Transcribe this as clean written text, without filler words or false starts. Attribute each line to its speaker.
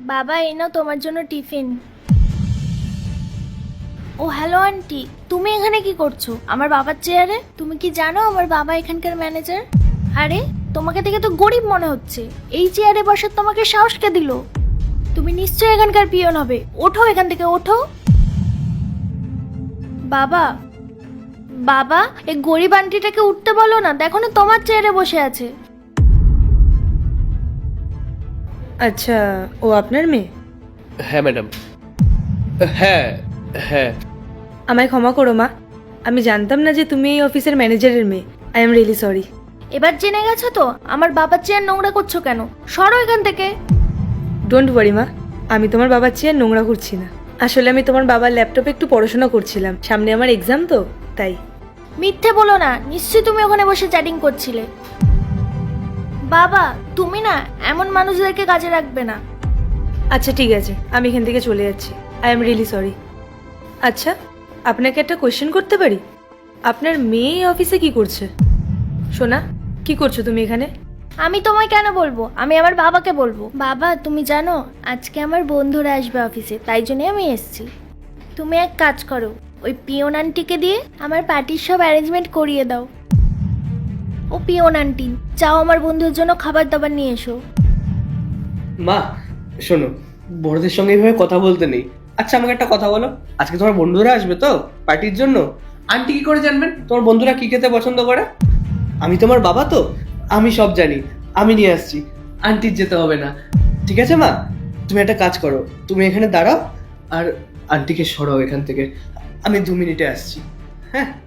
Speaker 1: বাবা এই নাও তোমার জন্য টিফিন। ও হ্যালো আন্টি, তুমি এখানে কি করছো আমার বাবার চেয়ারে? তুমি কি জানো আমার বাবা এখানকার ম্যানেজার? আরে তোমাকে দেখে তো গরিব মনে হচ্ছে, এই চেয়ারে বসার তোমাকে সাহস কে দিল? তুমি নিশ্চয়ই এখানকার পিয়ন হবে, ওঠো এখান থেকে ওঠো। বাবা বাবা এই গরিব আন্টিটাকে উঠতে বলো না, দেখো না তোমার চেয়ারে বসে আছে।
Speaker 2: আচ্ছা, ও আপনার মেয়ে?
Speaker 3: হ্যাঁ ম্যাডাম। হ্যাঁ হ্যাঁ।
Speaker 2: আমায় ক্ষমা করো মা, আমি জানতাম না যে তুমি এই অফিসের ম্যানেজারের মেয়ে। I am really sorry.
Speaker 1: এবার জেনে গেছো তো আমার বাবার চেয়ার নোংরা করছো কেন? সরো এখান থেকে।
Speaker 2: ডোন্ট ওয়ারি মা, আমি তোমার বাবার চেয়ার নোংরা করছি না। আসলে আমি তোমার বাবার ল্যাপটপে একটু পড়াশোনা করছিলাম, সামনে আমার এক্সাম তো তাই।
Speaker 1: মিথ্যে বলো না, নিশ্চয়ই তুমি ওখানে বসে চ্যাটিং করছিলে। বাবা তুমি না এমন মানুষদেরকে কাজে রাখবে না।
Speaker 2: আচ্ছা ঠিক আছে, আমি এখান থেকে চলে যাচ্ছি। I am really sorry. আচ্ছা, আপনাকে একটা কোয়েশ্চেন করতে পারি? আপনার মেয়ে এই অফিসে কি করছে? সোনা, কি করছো তুমি এখানে?
Speaker 1: আমি তোমায় কেন বলবো, আমি আমার বাবাকে বলবো। বাবা তুমি জানো আজকে আমার বন্ধুরা আসবে অফিসে, তাই জন্যই আমি এসেছি। তুমি এক কাজ করো, ওই পিয়ন আন্টিকে দিয়ে আমার পার্টির সব অ্যারেঞ্জমেন্ট করিয়ে দাও। ও পিয়ন আন্টি, যাও আমার বন্ধুর জন্য খাবার দাবার নিয়ে এসো।
Speaker 3: মা শোনো, বড়দের সঙ্গে এইভাবে কথা বলতে নেই। আচ্ছা আমাকে একটা কথা বলো, আজকে তোমার বন্ধুরা আসবে তো পার্টির জন্য, আন্টি কি করে জানবেন তোমার বন্ধুরা কি খেতে পছন্দ করে? আমি তোমার বাবা তো, আমি সব জানি, আমি নিয়ে আসছি, আন্টির যেতে হবে না। ঠিক আছে মা, তুমি একটা কাজ করো, তুমি এখানে দাঁড়াও আর আন্টিকে সরাও এখান থেকে, আমি 2 মিনিটে আসছি। হ্যাঁ।